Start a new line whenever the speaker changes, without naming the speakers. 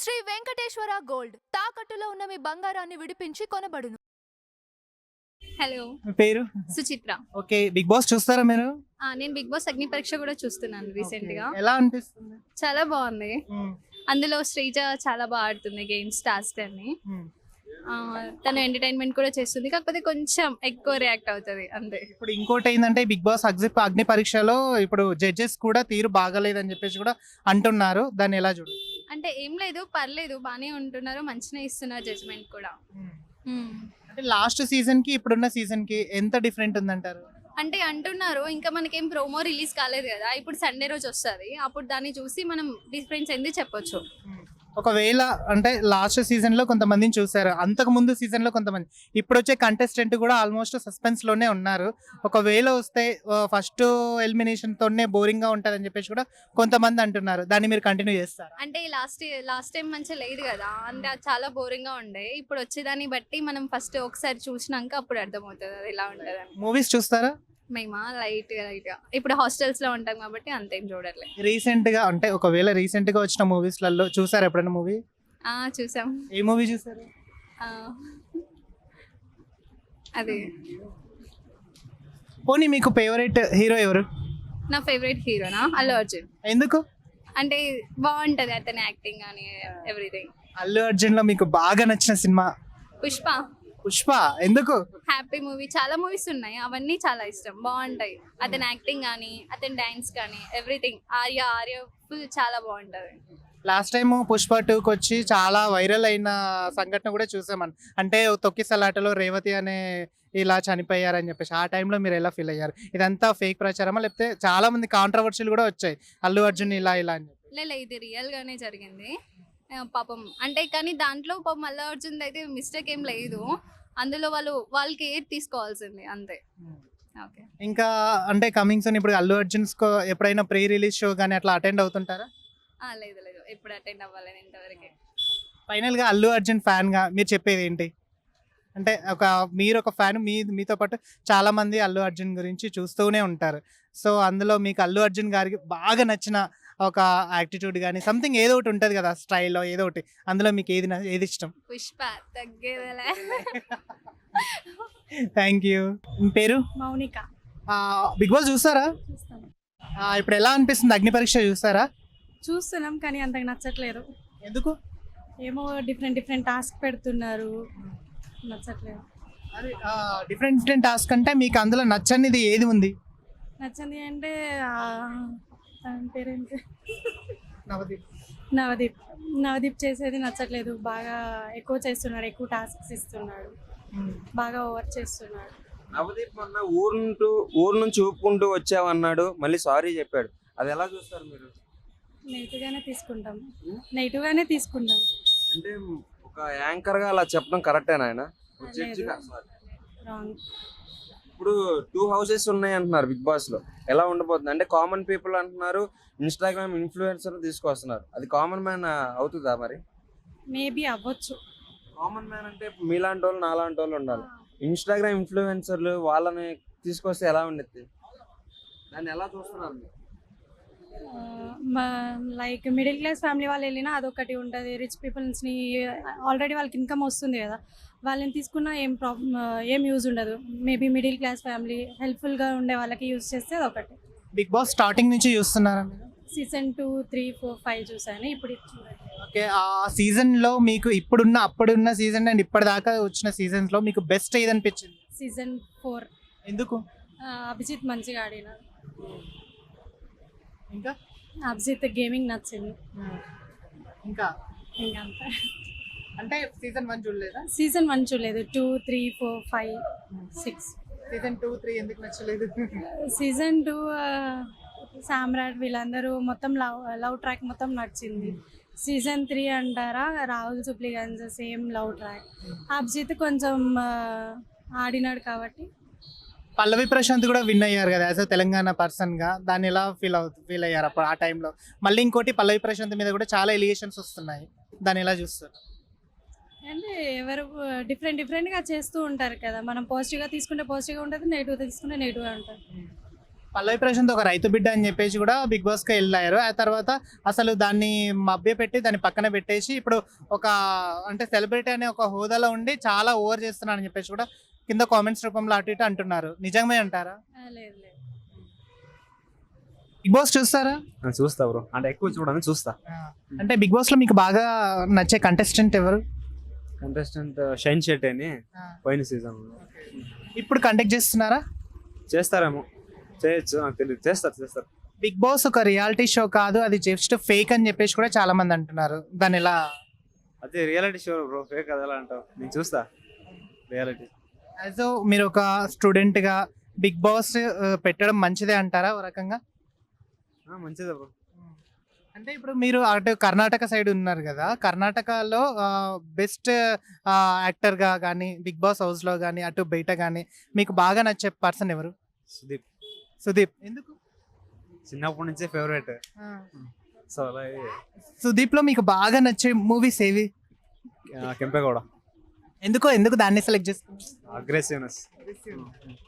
Shri Venkateswara gold తాకట్టులో ఉన్న మీ బంగారాన్ని విడిపించి కొనబడును.
హలో,
మీ పేరు?
సుచిత్ర.
ఓకే, బిగ్ బాస్ చూస్తారా మీరు?
నేను బిగ్ బాస్ అగ్ని పరీక్ష కూడా చూస్తున్నాను రీసెంట్ గా.
ఎలా అనిపిస్తుంది?
చాలా బాగుంది. అందులో శ్రీజ చాలా బాగా ఆడుతుంది గేమ్స్, టాస్క్ అని. తను ఎంటర్టైన్మెంట్ కూడా చేస్తుంది, కాకపోతే కొంచెం ఎక్కువ రియాక్ట్ అవుతుంది అంతే.
ఇప్పుడు ఇంకోటి ఏంటంటే బిగ్ బాస్ అగ్ని పరీక్షలో ఇప్పుడు జడ్జెస్ కూడా తీరు బాగలేదని చెప్పేసి కూడా అంటున్నారు. దాన్ని ఎలా చూడాలి?
అంటే ఏం లేదు, పర్లేదు, బాగానే ఉంటున్నారు, మంచిగా ఇస్తున్నారు జడ్జ్మెంట్ కూడా.
అంటే లాస్ట్ సీజన్ కి ఇప్పుడున్న సీజన్ కి ఎంత డిఫరెంట్ ఉందంటారు?
అంటే అంటున్నారు, ఇంకా మనకేం ప్రోమో రిలీజ్ కాలేదు కదా, ఇప్పుడు సండే రోజు వస్తుంది, అప్పుడు దాన్ని చూసి మనం డిఫరెన్స్ ఏంది చెప్పొచ్చు.
ఒకవేళ అంటే లాస్ట్ సీజన్ లో కొంతమందిని చూసారు, అంతకు ముందు సీజన్ లో కొంతమంది, ఇప్పుడు వచ్చే కంటెస్టెంట్ కూడా ఆల్మోస్ట్ సస్పెన్స్ లోనే ఉన్నారు. ఒకవేళ వస్తే ఫస్ట్ ఎలిమినేషన్ తోనే బోరింగ్ గా ఉంటది అని చెప్పేసి కూడా కొంతమంది అంటున్నారు. దాన్ని మీరు కంటిన్యూ చేస్తారు?
అంటే లాస్ట్ టైం మంచిగా లేదు కదా, అంటే అది చాలా బోరింగ్ గా ఉండే. ఇప్పుడు వచ్చేదాన్ని బట్టి మనం ఫస్ట్ ఒకసారి చూసినాక అప్పుడు అర్థమవుతుంది అది ఎలా ఉంటుంది అని.
మూవీస్ చూస్తారా?
మేమా లైట్ గా ఇప్పుడు హాస్టల్స్ లో ఉంటాం కాబట్టి అంతేం చూడట్లేదు.
రీసెంట్ గా అంటే ఒకవేళ రీసెంట్ గా వచ్చిన మూవీస్ లలో చూసారు ఎప్పుడైనా మూవీ?
చూసాం.
ఏ మూవీ చూసారు?
అదే.
పోనీ మీకు ఫేవరెట్ హీరో ఎవరు?
నా ఫేవరెట్ హీరోనా అల్లు అర్జున్.
ఎందుకు?
అంటే బాగుంటది అతని యాక్టింగ్ అని ఎవ్రీథింగ్.
అల్లు అర్జున్ లో మీకు బాగా నచ్చిన సినిమా?
పుష్ప.
పుష్ప ఎందుకు?
హ్యాపీ మూవీ, చాలా మూవీస్ ఉన్నాయి, అవన్నీ చాలా ఇష్టం, బాగుంటాయి. అతని యాక్టింగ్ కానీ అతని డాన్స్ కానీ ఎవ్రీథింగ్. ఆర్య ఫుల్ చాలా బాగుంటది.
లాస్ట్ టైం పుష్ప 2కి వచ్చి చాలా వైరల్ అయిన సంఘటన కూడా చూసామని, అంటే తొక్కిసలాటలో రేవతి అనే ఇలా చనిపోయారని చెప్పేసి. ఆ టైంలో మీరు ఎలా ఫీల్ అయ్యారు? ఇదంతా ఫేక్ ప్రచారమా, లేకపోతే చాలా మంది కాంట్రవర్షియల్ కూడా వచ్చాయి అల్లు అర్జున్ ఇలా అని చెప్పి?
లేదు, ఇది రియల్ గానే జరిగింది పాపం. అంటే కానీ దాంట్లో పాపం అల్లు అర్జున్ అయితే మిస్టేక్ ఏం లేదు, అందులో వాళ్ళకి ఏది తీసుకోవాల్సింది అంతే. ఓకే.
ఇంకా అంటే కమింగ్ సూన్ ఇప్పుడు అల్లు అర్జున్ ఎప్పుడైనా ప్రీ రిలీజ్ షో కానీ అట్లా అటెండ్ అవుతుంటారా?
లేదు, ఎప్పుడు అటెండ్ అవ్వాలని ఇంతవరకు.
ఫైనల్ గా అల్లు అర్జున్ ఫ్యాన్ గా మీరు చెప్పేది ఏంటి? అంటే మీరు ఒక ఫ్యాన్, మీతో పాటు చాలా మంది అల్లు అర్జున్ గురించి చూస్తూనే ఉంటారు. సో అందులో మీకు అల్లు అర్జున్ గారికి బాగా నచ్చిన ఒక యాటిట్యూడ్ కానీ సంథింగ్ ఏదో ఒకటి ఉంటుంది కదా, స్టైల్లో ఏదో ఒకటి, అందులో మీకు ఏది ఇష్టం?
పుష్ప తగ్గేదలే.
Thank you. మీ పేరు?
మౌనిక.
బిగ్ బాస్ చూస్తారా? ఇప్పుడు ఎలా అనిపిస్తుంది? అగ్ని పరీక్ష చూస్తారా?
చూస్తున్నాం కానీ అంతకు నచ్చట్లేదు.
ఎందుకు?
ఏమో డిఫరెంట్ టాస్క్ పెడుతున్నారు, నచ్చట్లేదు.
అదే డిఫరెంట్ టాస్క్ అంటే మీకు అందులో నచ్చనిది ఏది ఉంది?
నచ్చంది అంటే తన పేరేంటి,
నవదీప్.
నవదీప్ చేసేది నచ్చట్లేదు. బాగా ఎక్కువ చేస్తున్నాడు, ఎక్కువ టాస్క్స్ ఇస్తున్నాడు, బాగా ఓవర్ చేస్తున్నాడు.
నవదీప్ మొన్న ఊరు నుంచి ఊపుకుంటూ వచ్చావన్నాడు, మళ్ళీ సారీ చెప్పాడు. అది ఎలా చూస్తారు మీరు?
నెగిటివ్ గానే తీసుకుంటాం.
అంటే ఒక యాంకర్ గా అలా చెప్పడం కరెక్టేనా? ఆయన
రాంగ్.
ఇప్పుడు 2 హౌసెస్ ఉన్నాయి అంటున్నారు బిగ్ బాస్ లో, ఎలా ఉండబోతుంది? అంటే కామన్ పీపుల్ అంటున్నారు, ఇన్స్టాగ్రామ్ ఇన్ఫ్లుయెన్సర్ తీసుకొస్తున్నారు, అది కామన్ మ్యాన్ అవుతుందా మరి?
మేబీ అవ్వచ్చు.
కామన్ మ్యాన్ అంటే మీలాంటి వాళ్ళు నాలాంటి వాళ్ళు ఉండాలి. ఇన్స్టాగ్రామ్ ఇన్ఫ్లుయెన్సర్లు వాళ్ళని తీసుకొస్తే ఎలా ఉండేది? దాన్ని ఎలా చూస్తున్నారు?
లైక్ మిడిల్ క్లాస్ ఫ్యామిలీ వాళ్ళు వెళ్ళినా అదొకటి ఉంటుంది. రిచ్ పీపుల్స్ని ఆల్రెడీ వాళ్ళకి ఇన్కమ్ వస్తుంది కదా, వాళ్ళని తీసుకున్నా ఏం యూజ్ ఉండదు. మేబీ మిడిల్ క్లాస్ ఫ్యామిలీ హెల్ప్ఫుల్గా ఉండే వాళ్ళకి యూజ్ చేస్తే అదొకటి.
బిగ్ బాస్ స్టార్టింగ్ నుంచి చూస్తున్నారా మీరు?
సీజన్ 2, 3, 4, 5 చూసాను. ఇప్పుడు
ఓకే, ఆ సీజన్లో మీకు అప్పుడున్న సీజన్ అండ్ ఇప్పటిదాకా వచ్చిన సీజన్స్లో మీకు బెస్ట్ ఏది అనిపించింది?
సీజన్ 4.
ఎందుకు?
అభిజిత్ మంచిగా ఆడినాడు.
ఇంకా
అభిజిత్ గేమింగ్ నచ్చింది.
ఇంకా
అంతే.
అంటే సీజన్ 1 చూడలేదా?
సీజన్ 1 చూడలేదు. 2, 3, 4, 5, 6.
సీజన్ 2, 3 ఎందుకు నచ్చలేదు?
సీజన్ 2 సామ్రాట్ వీళ్ళందరూ మొత్తం లవ్ ట్రాక్ మొత్తం నచ్చింది. సీజన్ 3 అంటారా, Rahul Sipligunj same love track. Abhijeet కొంచెం ఆడినాడు కాబట్టి.
పల్లవి ప్రశాంత్ కూడా విన్ అయ్యారు కదా యాజ్ అ తెలంగాణ పర్సన్గా, దాన్ని ఎలా ఫీల్ అయ్యారు అప్పుడు ఆ టైంలో? మళ్ళీ ఇంకోటి పల్లవి ప్రశాంత్ మీద కూడా చాలా ఎలిగేషన్స్ వస్తున్నాయి, దాన్ని ఎలా చూస్తారు?
అంటే ఎవరు డిఫరెంట్గా చేస్తూ ఉంటారు కదా. మనం పాజిటివ్గా తీసుకుంటే పాజిటివ్గా ఉంటుంది, నెగిటివ్గా తీసుకుంటే నెగిటివ్గా ఉంటుంది.
పల్లవి ప్రశాంత్ ఒక రైతు బిడ్డ అని చెప్పేసి కూడా బిగ్ బాస్కి వెళ్ళారు. ఆ తర్వాత అసలు దాన్ని మభ్యపెట్టి దాన్ని పక్కన పెట్టేసి ఇప్పుడు ఒక అంటే సెలబ్రిటీ అనే ఒక హోదాలో ఉండి చాలా ఓవర్ చేస్తున్నారని చెప్పేసి కూడా కింద కామెంట్స్ రూపంలో అటు ఇటు అంటున్నారు. నిజమే అంటారా?
లేదు లేదు.
బిగ్ బాస్ చూస్తారా?
చూస్తా బ్రో, అంటే ఎక్కువ చూడని చూస్తా.
అంటే బిగ్ బాస్ లో మీకు బాగా నచ్చే కంటెస్టెంట్ ఎవరు?
కంటెస్టెంట్ షైన్ షెట్టి అని పోయిన సీజన్
ఇప్పుడు కండక్ట్ చేస్తున్నారా?
చేస్తారేమో, చేయొచ్చు, నాకు తెలియదు. చేస్తారు.
బిగ్ బాస్ ఒక రియాలిటీ షో కాదు, అది జస్ట్ ఫేక్ అని చెప్పేసి కూడా చాలా మంది అంటున్నారు. దాని ఎలా?
అదే రియాలిటీ షో బ్రో, ఫేక్ అది ఎలా అంటావు? నేను చూస్తా రియాలిటీ.
యాజ్ మీరు ఒక స్టూడెంట్ గా బిగ్ బాస్ పెట్టడం మంచిదే అంటారా ఒక రకంగా?
మంచిదే బ్రో.
అంటే ఇప్పుడు మీరు అటు కర్ణాటక సైడ్ ఉన్నారు కదా, కర్ణాటకలో బెస్ట్ యాక్టర్గా కానీ బిగ్ బాస్ హౌస్లో కానీ అటు బయట కానీ మీకు బాగా నచ్చే పర్సన్ ఎవరు? సుదీప్. ఎందుకు?
చిన్నప్పటి నుంచే ఫేవరెట్. సో అలా
సుదీప్లో మీకు బాగా నచ్చే మూవీస్ ఏవి?
కెంపేగౌడ.
ఎందుకు దాన్ని సెలెక్ట్ చేసుకున్నారు?
అగ్రెసివ్నెస్.